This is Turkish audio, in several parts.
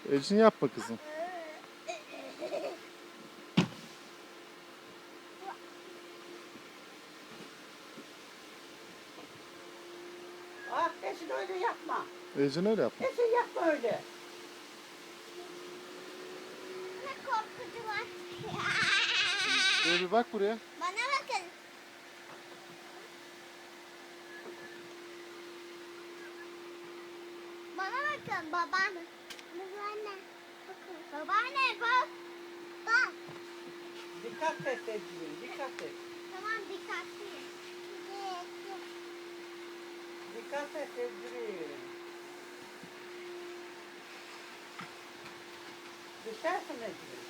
Ecin yapma kızım. Ah Esin öyle yapma. Ecin öyle yapma. Esin yapma öyle. Ne korkucu var. Şöyle bir bak buraya. Bana bakın. Bana bakın babaanne. Babaanne. Bakın. Babaanne bak. Bak. Dikkat et Esin, dikkat et. Tamam dikkatliyim. Dikkat et Esin. Düşersin Esin.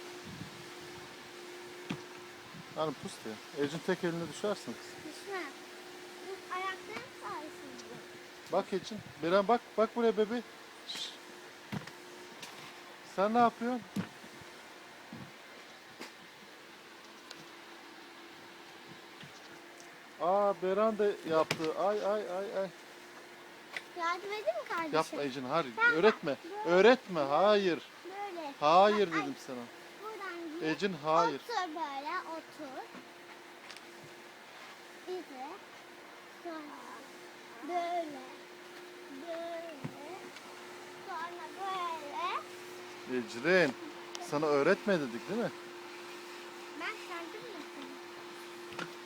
Hani pus diye. Ecin tek eline düşersin kız. Düşme. Bu ayaklarım sayesinde. Bak Ecin. Beren bak. Bak buraya bebeğim. Şşş. Sen ne yapıyorsun? Aa Beren de yaptı. Ay ay ay ay. Yardım edeyim mi kardeşim? Yapma Ecin. Hayır. Ben- Öğretme. Böyle. Öğretme. Hayır. Böyle. Hayır Bak, ay, dedim sana. buradan gir. Ecin hayır. Otur böyle otur. İzle. Sonra böyle. Böyle. Sonra böyle. Ecrin. Sana öğretme dedik değil mi? Ben kendim yapayım.